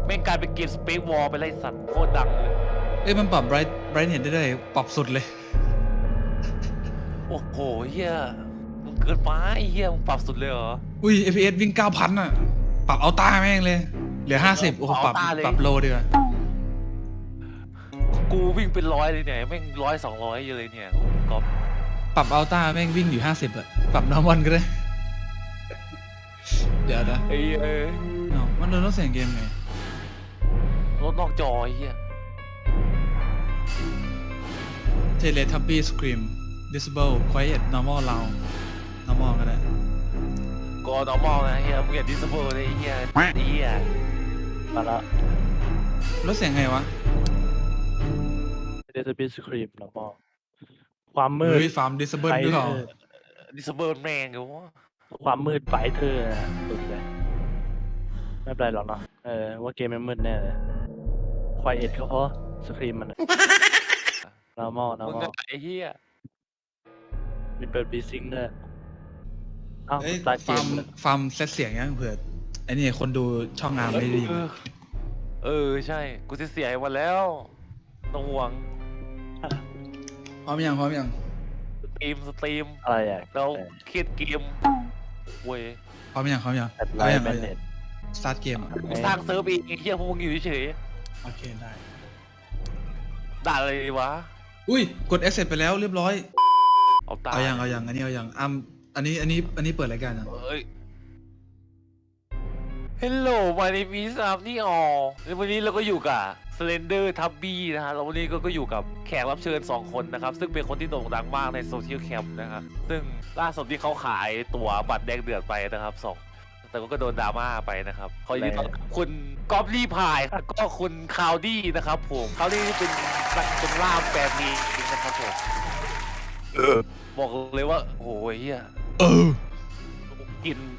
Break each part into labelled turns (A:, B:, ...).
A: แม่งกลายเป็นเกมสเปซวอลไปไล่สัตว์โคตรดังเลย
B: เอ้ยมันปรับไบรท์เห็นได้เลยปรับสุดเลย
A: โอ้โหเฮียมึงเกินไปเฮียมึงปรับสุดเลยเหรอ
B: อุ้ย FPS วิ่ง 9,000 อ่ะ ปรับเอาต้าแม่งเลย เหลือ 50 โอ้โหปรับโลดีกว่า
A: กูวิ่งเป็นร้อยเลยเนี่ยแม่ง100-200อยู่เลยเนี่ยก๊อฟ
B: ปรับเอาต้าแม่งวิ่งอยู่ 50 อ่ะ ปรับนอร์มอนก็ได้ เดี๋ยวนะ
A: ไอ้เอ้ย
B: อ้าวมันโดนลดเสียงเกมไง
A: รถนอกจอไอ้เฮีย
B: Teletubby Scream Disable Quiet Normal Loud Normal ก็ได้
A: กอ normal นะเฮียมึงอย่าดิสเบอร์เลยไอ้เฮียไอ้เฮียมาละ
B: ลดเสียงไงวะ
C: เดซบิสครีมแล้วก็ความมืด
B: เฮ้ยฟาร์ม Disable ด้วยเหรอ
A: ดิสเบอร์แม่งเหรอวะ
C: ความมืดไฟเธอนะสุดเลยไม่เป็นไรหรอกเนาะว่าเกมมันมืดแน่เลยควายเอ็ดเขาเพราะสครีมมันนอร์มอล
A: มึงก็ไอ้เฮีย
C: มีเปิดบีซิงด้วยเอ้า
B: เอ้ย
C: ตายเก
B: ฟาร์
C: ม
B: มเซตเสียงยังเผื่อไอ้นี่คนดูช่องงานไม่ได้ยิน
A: ใช่กูจะเสียหมดแล้วต้องห่วง
B: พร้อมยัง
A: สตรีม
C: อะไรอ่ะ
A: แล้วเครียดเกมเว้ย
B: พร้อมยัง
C: แอดไลน์แมนเน็ต
B: สตาร์ทเกมอ่ะ
A: กูสร้างเซิร์ฟเองไอ้เฮียพวกมึงอยู่เฉย
B: โอเคได้
A: ๆด่าอะไรดีวะ
B: อุ้ยกด accept ไปแล้วเรียบร้อย
A: เอาตา
B: เอายังอันนี้เอายังอันนี้เปิดรายการยัง
A: เอ้ย Hello my name is Amni All วันนี้เราก็อยู่กับ Slender Tubby นะฮะแล้ววันนี้ก็อยู่กับแขกรับเชิญ2คนนะครับซึ่งเป็นคนที่โด่งดังมากในโซเชียลแคมป์นะครับซึ่งล่าสุดที่เขาขายตั๋วบัตรแดงเดือดไปนะครับแต่ก็โดนดราม่าไปนะครับขอยินดีต้อนรับคุณก๊อฟลี่พายแล้วก็คุณคาวดี้นะครับผมคาวดี้เป็นนักเป็นล่ามแปลมีนะครับผมบอกเลยว่าโอ้ยเฮีย กิน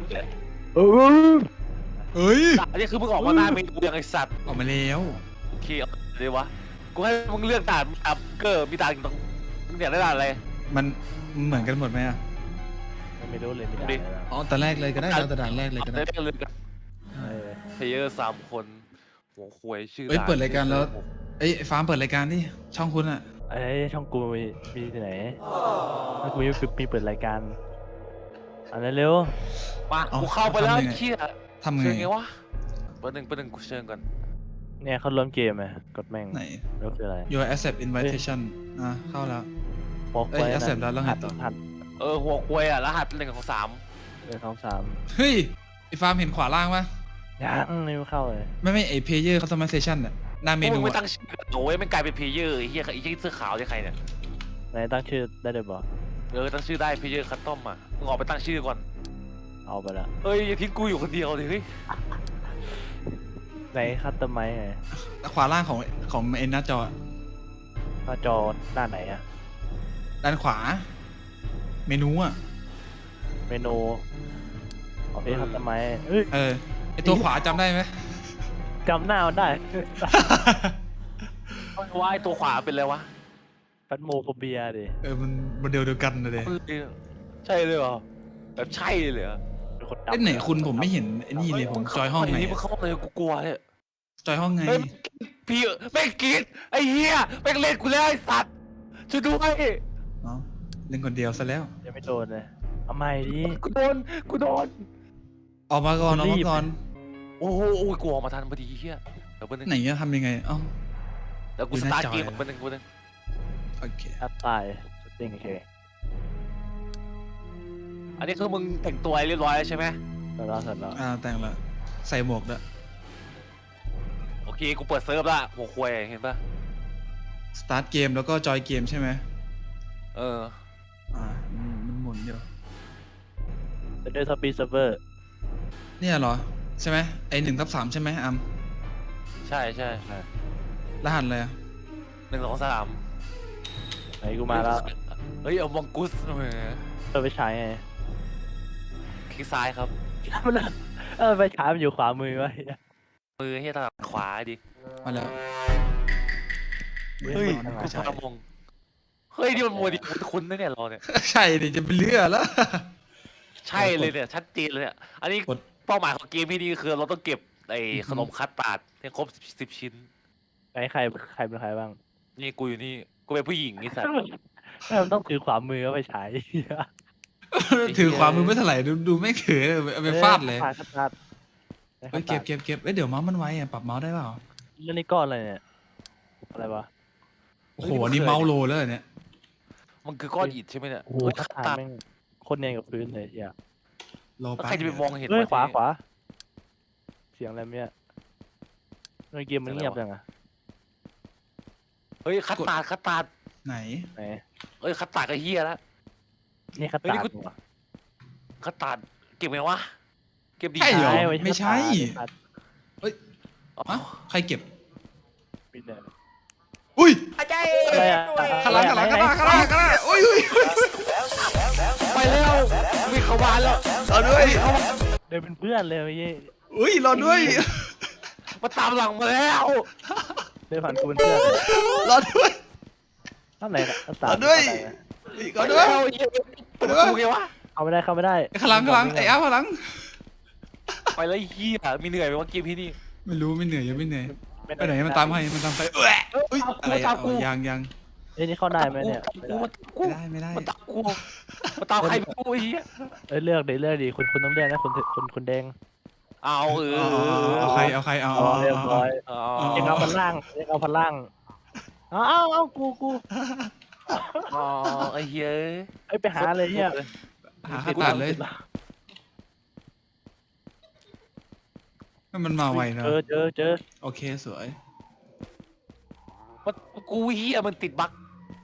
B: เฮ้ย
A: อันนี้คือมึงออกมาหน้าเมนูยังไอสัตว์
B: ออกมาแล้ว
A: โอเคเอาเลยวะกูให้มึงเลือกด่านอัพเกอร์มีด่านตรงมึงอยากได้ด่านอะไร
B: มันเหมือนกันหมดไหมอ่ะ
C: ไม่รู้เลยไม่ได้
A: ดิ
B: อ๋อแต่แรกเลยก็ได้เราแต่ด่านแรกเลยก็ได้
A: ได้เลือกกันเพลเยอร์3 คนหัวควยชื่อ
B: เอ้ย
A: ด่าน
B: เปิดรายการแล้ว เอ้ยฟาร์มเปิดรายการดิช่องคุณอ่ะ
C: ช่องกูมีที่ไหนถ้ากูมีเปิดรายการอันนั้นเร็ว
A: มากูเข้าไปแล้วเชี่ย
B: ทำไง
A: เชิญไงวะเปิดหนึ่งกูเชิญก่อน
C: เนี่ยเขาเริ่มเกมไงกดแม่ง
B: ไหน
C: แล้วคืออะไร
B: your accept invitation เข้าแล้ว
C: บอก
B: เอ้ย accept แล้วแล้วไงต่อ
C: หัด
A: หัวควยรหัส1 ของ 3
C: 1 2 3
B: เฮ้ยไอฟาร์มเห็นขวาล่างปะ
C: ยังไม่เข้าเลย
B: ไม่ไอ player customization อ่ะหน้าเม
A: พวก
B: นู
A: มึงไม่
B: อะ
A: ตั้งชื่อโอ้ยมันกลายเป็นเพลเยอร์ไอ้เหี้ยไอ้เหี้ยเสื้อขาวเนี่ยใครเนี่ย
C: ไหนตั้งชื่อได้เลยบอก
A: ตั้งชื่อได้เพลเยอร์คัสตอมอ่ะมึงออกไปตั้งชื่อก่อน
C: เอาไปละ
A: เอ้ยอย่าทิ้งกูอยู่คนเดียวเลยเฮ้ย
C: ไหนคัตเตอร์ไมค์ไง
B: ขวาล่างของเอ็นหน้าจออะ
C: หน้าจอด้านไหนอะ
B: ด้านขวา เมนูอ่ะ
C: เมนูโอเคคัตเตอร์ไมค์เอ้ย
B: ไอตัวขวาจำได้ไหม
C: จำหน้ามันได้
A: ว่าไอ้ตัวขวาเป็นอะไรวะ
C: แฟนโมโฟเบียดิ
B: มันโมเดลเดียวกันเลย
A: ใช่เลยเหรอแบบใช่เลยเหรอ
C: เป็นคนดำ
B: เล่นไหนคุณผมไม่เห็นไอ้นี่เลยผมจอยห้องไง
A: นี่มึงเข้าห้องเลยกูกลัวเนี่ย
B: จอยห้องไง
A: เฮ้ยพี่แม่งกรีดไอ้เหี้ยแม่งเล่นกูแล้วไอ้สัตว์ช่วยด้วย
B: เนาะเล่นคนเดียวซะแล้ว
C: ยังไม่โดนเลยเอาใหม่ดิ
A: กูโดน
B: ออกมาก่อนออกมาก่อน
A: โอ้โหกูออกมาทันพอดีเหี้ยเดี๋ยวนึง
B: ไหนจะทำยังไงเอ้า
A: เดี๋ยวกูสตาร์ทเกมนึง
B: โอเค
C: แอปตายสติ้งโอเค
A: อันนี้คือมึงแต่งตัวเรียบร้อยแล้วใช่ไหม
C: เสร็จแล้ว
B: แต่งละใส่หมวกด้วย
A: โอเคกูเปิดเซิร์ฟละหัวควยเห็นปะ
B: สตาร์ทเกมแล้วก็จอยเกมใช่ไหม มันหมุนอยู่
C: เซนเดอร์ทับบี้เซิร์ฟเวอร์
B: เนี่ยเหรอ ใช่ไหมไอ1/3ใช่ไหมอัม
A: ใช่
B: รหัสเลยอะ
A: 1 2 3
C: ไหนกูมาแล้ว
A: เฮ้ยเอามองกุส
C: เราไปใช้ไง
A: คลิกซ้ายครับ
C: มันไปใช้มันอยู่ขวามือไว้
A: มือให้ทางขวาดิ
B: มาแล้ว
A: เฮ้ย
C: มัน
A: กู
C: ใช้
A: พามงเฮ้ยนี่มันมัวดิคุณนะเนี่ยเราเนี่ย
B: ใช่ดิจะเป็นเลือแล้ว
A: ใช่เลยเนี่ยชัดเจนเลยเนี่ยอันนี้
B: กด
A: เป้าหมายของเกมที่นี่คือเราต้องเก็บไอ้ขนมคัสตาร์ดให้ครบ10 ชิ้น
C: ใครเป็นใครบ้าง
A: นี่กูอยู่นี่กูเป็นผู้หญิงไอ้สัตว์
C: ไม่มันต้องถือขวามือเอาไปฉาย
B: ถือขวามือไม่เท่าไหร่ดูไม่เขินเอาไปฟาดเลย
C: ฟาด
B: เฮ้ยเก็บเอ้ยเดี๋ยวเมาส์มันไวอ่ะปรับเมาส์ได้เปล่า
C: เรื่องนี้ก้อนอะไรเนี่ยอะไรวะ
B: โอ้โหอันนี่เมาส์โลแล้วเหรอเนี่ย
A: มันคือก้อนอิฐใช่ไหมเนี่ย
C: โอ้โห
A: เฮ้ย
C: คั
A: คั
C: ด
A: ส
C: ตา
A: ตาร์ด
C: แม่งโคนเนียนกับพื้นเลยอย่า
B: โล
A: แล้ว
B: แป๊บ
A: ใครจะไปมองเห็น
C: เฮ้ยว
A: ะ
C: ขวา
A: เนี่ย
C: ขวาเสียงอะไรเนี่ยในเกมมันเงียบจังอะ
A: เฮ้ยคัสตาร์ดคัสตาร์ด
B: ไหน
C: ไหน
A: เอ้ยคัสตาร์ดก็เฮียแล้ว
C: นี่คัด
A: เฮ้ย
C: ตา
A: นี่
C: ร์
A: กู
C: ดวะ
A: คัสตาร์ดเก็บไงวะเก็บดี
B: ใช่เหรอ ไม่ใช่
C: คัด
A: อ๋อ
B: ฮะใครเก็บ
C: ปิดเลย
B: อุ้ย
C: อะไรอะ
B: ข้างหลังอุ้ย
A: ไปแล้วมีขวานแล้ว
B: รอด้วย
C: เดินเป็นเพื่อนเลยเมื่อกี้
B: อุ้ยรอด้วย
A: มาตามหลังมาแล้ว
C: เดินผ่านกูเป็นเพื่อนเลย
B: รอด้วย
C: ข้างไหนคัดตา
B: เอา
C: ร์ด
B: ด้วย
C: ข้างไหนอะ
B: รอด้วย
A: แล้วเหี้ยกูไงวะ
C: เข้าไม่ได้
B: ข้างหลังไอ้อ้าวข้างหลัง
A: ไปแล้วเฮียมีเหนื่อยไหมวะเกมพี่นี่
B: ไม่รู้ไม่เหนื่อยยังไม่เหนื่อยไปไหนมันตามใครมันตามใครอุ้ยอะไร
A: ตามกู
B: ยัง
C: เอ้ยนี่เข้าได้ไหมเนี่ยไม่ได้
B: ไม่ได้
A: มันตามกูมันตามใครไม่รู้ไอ้เหี้ย
C: เอ้ยเลือกดีคุณต้องเลือกนะคุณแดง
A: เอาเออ
B: เอาใครเอา
C: อ๋อเรียบร้อย
A: เอา
C: เอ็งเอาพันล่างเอากู
A: อ๋อไอ้เหี้ย
C: เอ้ยไปหาเลยเนี่ย
B: หาข้าตัดเลยมันมาไวเนาะ
C: เจอ
B: โอเคสวย
A: มันกูเหี้ยมันติดบั๊ก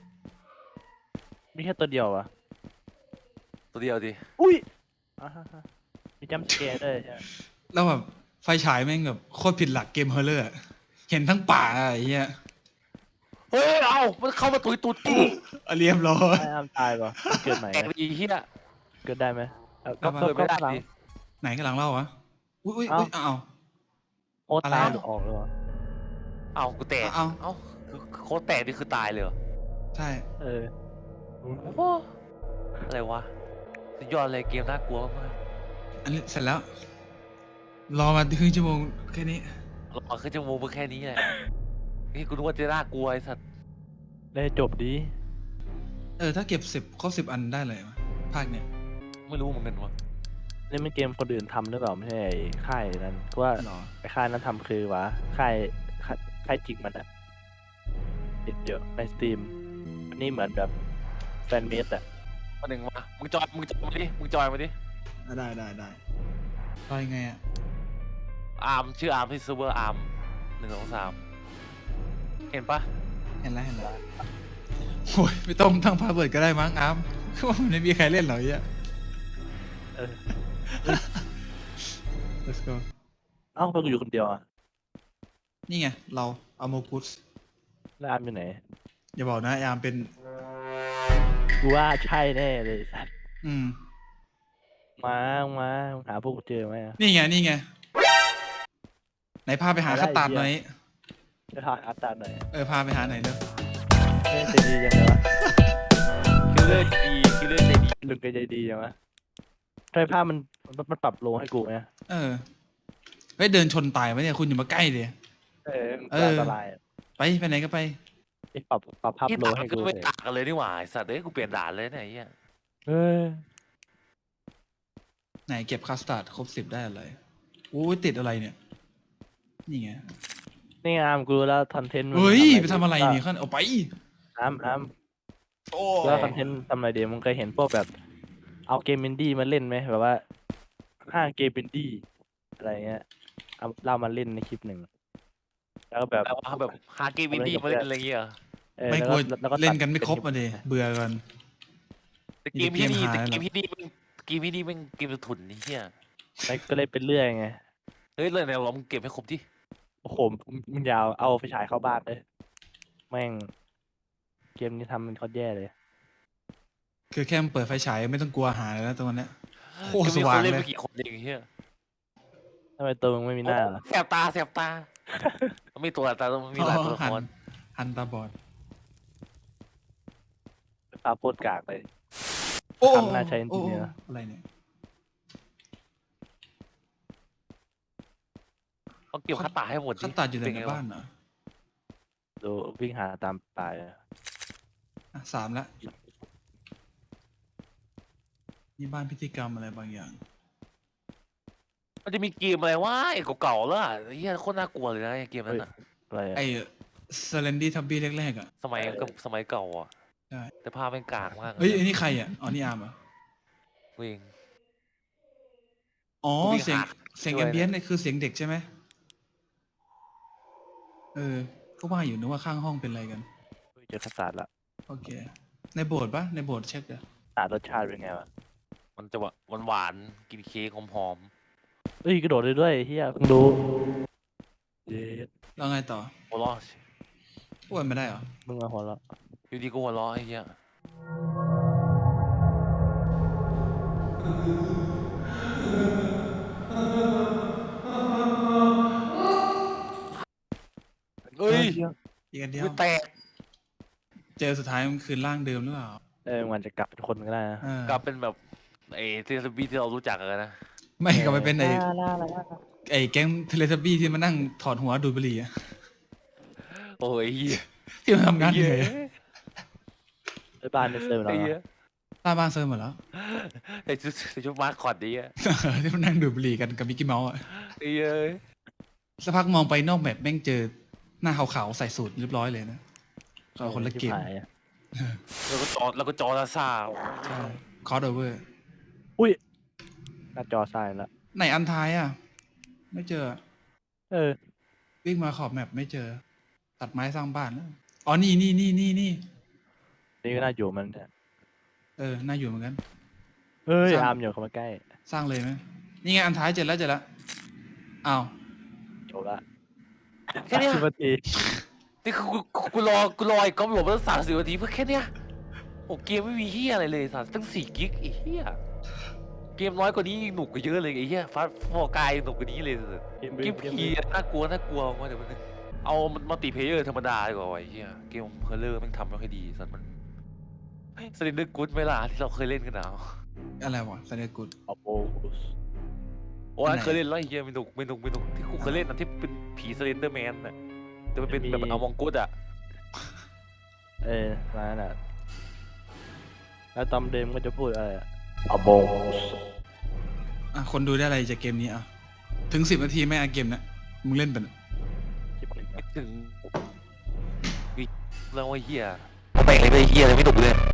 C: มีแค่ตัวเดียวอะ
A: ตัวเดียวดิ
C: อุ้ยมีจัมป์สแกร์ด้วยใช่ไหม
B: แล้วแบบไฟฉายแม่งแบบโคตรผิดหลักเกมเฮอร์เรอร์เห็นทั้งป่าไอ้เหี้ย
A: เฮ้ยเอามันเข้ามาตุยตูดกู
B: เรียบร้อย
C: ไอ้อามตายป่ะเกิดใหม่
A: แตกดีเหี้ย
C: เกิดได้ไหม
B: เอามา
A: เปิดไม่ได้
C: หลัง
A: ดิ
B: ไหนกันหลังเล่าวะอุ้ยอ้าว
C: โอ้
B: อะไร
C: ตาย
B: อ่ะ
C: หรือออกเลยวะ
A: เอากูแตก
B: เอา
A: เอาคือโคตรแตกนี่คือตายเลยเหรอ
B: ใช่
C: เออ
A: โอ้อะไรวะสุดยอดเลยเกมน่ากลัวมาก
B: อันนี้เสร็จแล้ว รอมาครึ่งชั่วโมงแค่นี้
A: เรามาขึ้นจมูกเพื่อแค่นี้แหละนี่กูนึกว่าจะน่ากลัวไอ้สัตว์
C: ได้จบดี
B: ถ้าเก็บครบ10 อันได้เลยวะภาคเนี้ย
A: ไม่รู้เหมือนกันวะ
C: นี่มันเกมคนอื่นทำหรือเปล่าไม่ใช่ไอ้ค่ายนั้นเพราะว่า
B: หรอ
C: ไอ้ค่ายนั้นทำคือวะค่ายจริงมันอะติดเยอะในสตรีมอันนี้เหมือนแบบแฟนเมดอะ
A: มาหนึ่งมามึงจอยมาดิมึงจอยมาดิ
B: ได้รอยังไงอ่ะ
A: อาร์มชื่ออาร์มที่เซิร์ฟเวอร์อาร์ม1 2 3เห็นปะ
B: เห็นแล้วโอ้ยไม่ต้องตั้งพาสเวิร์ดก็ได้มั้งอาร์มคือว่ามันไม่มีใครเล่นหรอกไอ้เหี้ย
C: เออ
B: let's go
C: เอ้าเพิ่งอยู่คนเดียวอะ
B: นี่ไงเราอโมกุส
C: แล้วอามอยู่ไหน
B: อย่าบอกนะอาร์มเป็น
C: กูว่าใช่แน่เลยสัตว์
B: อืม
C: มาหาพวกกูเจอไหมอะ
B: นี่ไงไหนพาไปหาคัตตาร์ดหน่อย
C: จะทานอัตตาหน่อย
B: พาไปหาหน่อยเด้อ
C: เล่นใจดียังไงวะ
A: คิลเลอร์ดีคิลเลอร์ใจดี
C: ลุงแกใจดียังวะทำไมภาพมันปรับโลให้กูไหม
B: เฮ้ยเดินชนตายไหมเนี่ยคุณอย่ามาใกล้ดิ
C: มันอันตรายอะ
B: ไปไหนก็ไป
C: ไอ้ปรับภาพ
A: ที่
C: โล
A: ต่าง
C: ให้
A: ก็
C: กู
A: ไม่
C: เลย
A: ต่างกันเลยนี่หว่าไอ้สัตว์เอ้ยกูเปลี่ยนด่านเลยเนี่ยไอ้เหี้ย
C: เออ
B: ไหนเก็บคัสตาร์ดครบ10ได้อะไรโอ้ยติดอะไรเนี่ย นี่ไง
C: นี่อามกูรู้แล้วคอนเทนต์มัน
B: เฮ้ยไปทำอะไรเนี่ยขั้นเอาไป
C: อาม
B: โอ้
C: แล้วคอนเทนต์ทำอะไรเดียวมึงเคยเห็นพวกแบบ เอาเกมอินดี้มาเล่นไหมแบบว่า5 เกมอินดี้อะไรเงี้ยเอาเล่ามาเล่นในคลิปหนึ่งแล้วก็แบบ
A: แบบว่าแบบหาเกมวินดี้มาเล่นอะไรเงี้ยเหรอ
B: ไม่กลัว
C: แล้วก็
B: เล่นกันไม่ครบ
C: ตั
B: มา
C: ด
B: ดิเบื่อกัน
A: แต่เกมที่นี่
B: มีแต่
A: แต่
B: เก
A: เก
B: ม
A: ม
B: หา
A: ที่นี่มันเกมที่นี่มันเกมถุนนี่เหี้ย
C: มันก็เลยเป็นเรื่อยไง
A: เฮ้ยเลยเนี่ยเรามึงเก็บให้ครบดิ
C: โอ้โหมึงยาวเอาไฟฉายเข้าบ้านเลยแม่ง เกมนี้ทำมันโคตรแย่เลย
B: คือแค่มันเปิดไฟฉายไม่ต้องกลัวหายแล้วตรงนั้น โคตร
A: จะมี
B: ส
A: ค
B: ว่าง
A: นเล่น
B: เลย
A: ไปกี่คนเองเหี้ย
C: ทำไมตัวมึงไม่มีหน้าล่ะ
A: แสบตามันมีตัวตาต้องมีหลายตัวละคร
B: หันตาบอด
C: ตาโคตรกากเลย
B: โอ้
C: ทำน่าใช้จริงๆนะ
B: อะไรเนี่ย
A: ต้องเก็บคัตตาให้หมดดิ
B: ขั้นตัดอยู่
A: เป็
B: ใน
A: ไง
B: บ้าน
A: วะ
B: เหรอ
C: ดูวิ่งหาตามป่าอะ
B: อ่ะ3ละนี่บ้านพิธีกรรมอะไรบางอย่าง
A: มันจะมีเกมอะไรวะไอ้เก่าๆแล้วอะไอ้เหี้ยโคตรน่ากลัวเลยนะไอ้เกมนั้นอะ
C: อะไรอะ
B: ไอ้เซเลนดี้ทับบี้แรกๆอ่ะ
A: สมัยเก่าอ่ะ
B: ใช่
A: แต่ภาพเป็นกากมาก
B: เฮ้ยไอ้นี่ใครอ่ะอ๋อนี่อาร์มเหรอ
A: เวง
B: อ๋อ
A: กูวิ่ง
B: เสียง
A: หา
B: เสียง
A: ด้
B: แอ
A: วย
B: ม
A: นะ
B: เบียนต์เนี่ยคือเสียงเด็กใช่ไหมก็ว่าอยู่นึกว่าข้างห้องเป็นอะไรกัน
C: เจอคาตาร์ดละ
B: โอเค ในโบสถ์ปะในโบสถ์เช็คเดี๋ยว
C: รสชาติเป็นไงวะ
A: มันจะหวานๆกินเค้กหอม
C: เอ้ยกระโดดเลยด้วยเฮียเพิ่งรู้เย็ด
B: แล้วไงต่อ
A: ๆหัวเราะ
B: อ้วนไม่ได้เหรอ
C: มึงมาหัวเราะ
A: อยู่ดีก็หัวเราะไอ้เหี้ยเฮ้ย
B: อีกอันเดียว
A: มือแตก
B: เจอสุดท้ายมันคือร่างเดิมหรือเปล่า
C: มันจะกลับเป็นคนก็ได้นะ
A: กลับเป็นแบบไอ้เทเลบีที่เรารู้จักกันนะ
B: ไม่กลับไปเป็นไอ้
C: ล่า
B: ไอ้แก๊งเทเลทับบี้ที่มานั่งถอดหัวดูดบุหรี่อะ
A: โอ้ยเหี้ย
B: ที่มาทำงานเหนื่อยอะ
C: ไอ้บ้านในเซอร์เรา
A: ไอ้เหี้ย
B: ตาบ้านเซิร์ฟหมดแล้ว
A: ไอ้ชุดมาสคอตดีอะ
B: ที่มานั่งดูดบุหรี่กันกับมิกกี้เมาส์อะ
A: ไอ้เหี้ย
B: สักพักมองไปนอกแมปแม่งเจอหน้าขาวๆใส่สูทเรียบร้อยเลยนะก็คนละเกม
C: ชิบหายอะ
A: แล้วก็จอซ่า
B: ใช่คอร์ดโอเวอร์
C: อุ้ยหน้าจอทรายละ
B: ไหนอันท้ายอ่ะ ไม่เจอ
C: เออ
B: วิ่งมาขอบแมปไม่เจอ ตัดไม้สร้างบ้านแล้วอ๋อนี่
C: นี่ก็น่าอยู่มันเนี่ย
B: น่าอยู่เหมือนกัน
C: เฮ้ย
B: สร้าง
C: อาร์มอยู่เข้ามาใกล้
B: สร้างเลยไหมนี่ไงอันท้ายเจอแล้วอ้าว
C: จบละ
A: แค่เนี้ย
C: 10 นาที
A: นี่คือกูรอไอ้ก๊อฟหลบมาตั้ง30 นาทีเพื่อแค่เนี้ยโอ้เกมไม่มีเฮียอะไรเลยสัตว์ตั้ง4 กิกไอ้เฮียเกมน้อยกว่านี้หนุกกว่าเยอะเลยไอ้เฮียฟาสฟอร์กายหนุกกว่านี้เลยสัตว์เกมผีน่ากลัวว่าเดี๋ยวมันเอามัลติเพลเยอร์ธรรมดาดีกว่าไอ้เฮียเกมเพลเลอร์แม่งทำไม่ค่อยดีสัตว์มันสลินเดอร์กู๊ดเวลาที่เราเคยเล่นกันนะ
B: อะไรวะแสดงกุด
C: ออโปส
A: โอ้ยเคยเล่นแล้วไอ้เฮียไม่หนุกที่กูเคยเล่นนะที่เป็นผีสลินเดอร์แมนน่ะแต่มันเป็นแบบเอามองกุ๊ดอะ
C: มานั่นแหละแล้วตอมเดมก็จะพูดอะไรอโบส
B: อ่ะคนดูได้อะไรจากเกมนี้อ่ะถึง10 นาทีไหม่อ่ะเกมนะมึงเล่นเป็น
A: ไม่ถึงแล้วไอ้เฮียไปเลยไม่เฮียเลยไม่หนุกเลย